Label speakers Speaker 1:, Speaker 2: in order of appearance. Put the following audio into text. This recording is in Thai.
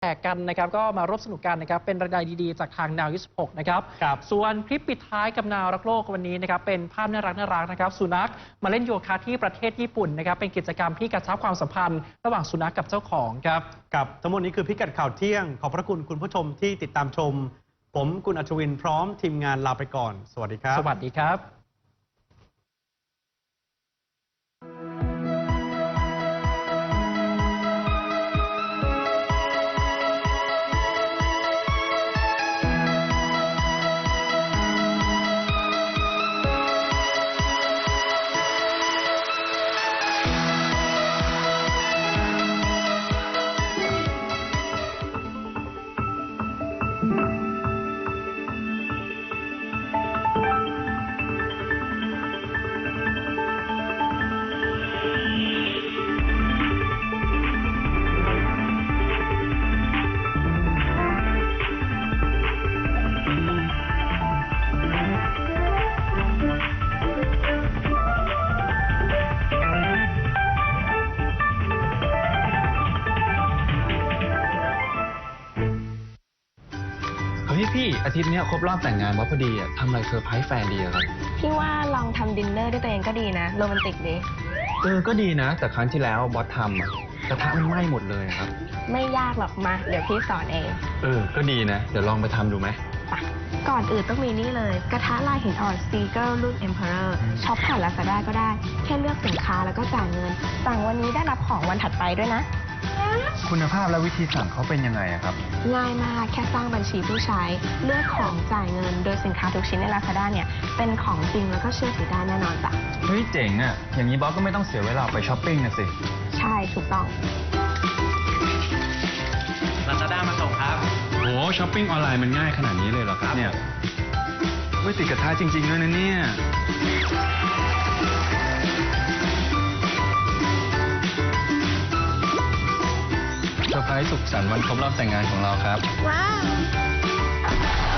Speaker 1: แตกกันนะครับก็มาร่วมสนุกกันนะครับเป็นรายได้ดีๆจากทางนาว26นะครับส่วนคลิปปิดท้ายกับนาวรักโลกวันนี้นะครับเป็นภาพน่ารักนะครับสุนัขมาเล่นโยคะที่ประเทศญี่ปุ่นนะครับเป็นกิจกรรมที่กระชับความสัมพันธ์ระหว่างสุนัขกับเจ้าของครับ
Speaker 2: กับทั้งหมดนี้คือพิกัดข่าวเที่ยงขอบพระคุณคุณผู้ชมที่ติดตามชมผมกุลอัชวินพร้อมทีมงานลาไปก่อนสวัสดีครับ
Speaker 1: สวัสดีครับ
Speaker 3: พี่อาทิตย์นี้ครบรอบแต่งงานว่าพอดีทำอะไรเซอร์ไพรส์แฟนดีครับ
Speaker 4: พี่ว่าลองทำดินเนอร์ด้วยตัวเองก็ดีนะโรแมนติกดี
Speaker 3: ก็ดีนะแต่ครั้งที่แล้วบอสทำกระทะมันไหม้หมดเลยครับ
Speaker 4: ไม่ยากหรอกมาเดี๋ยวพี่สอนเอง
Speaker 3: ก็ดีนะเดี๋ยวลองไปทำดูไหม
Speaker 4: ก่อนอื่นต้องมีนี่เลยกระทะลายหินอ่อนสตีเกิลรุ่น Emperor ช็อปผ่านลาซาด้าก็ได้แค่เลือกสินค้าแล้วก็จ่ายเงินสั่งวันนี้ได้รับของวันถัดไปด้วยนะ
Speaker 3: คุณภาพและวิธีสั่งเขาเป็นยังไงครับ
Speaker 4: ง่ายมากแค่สร้างบัญชีผู้ใช้เลือกของจ่ายเงินโดยสินค้าทุกชิ้นใน Lazada เนี่ยเป็นของจริงแล้วก็เชื่อถือได้แน่นอนจ้ะ
Speaker 3: เฮ้ยเจ๋งอย่างนี้บอสก็ไม่ต้องเสียเวลาไปช้อปปิ้งนะสิ
Speaker 4: ใช่ถูกต้อง
Speaker 1: Lazada มาส่งครับ
Speaker 3: โหช้อปปิ้งออนไลน์มันง่ายขนาดนี้เลยเหรอครับเนี่ยไม่ติดกระทะจริงๆด้วยนะเนี่ยเซอร์ไพรส์สุขสันต์วันครบรอบแต่งงานของเราครับ
Speaker 4: ว้าว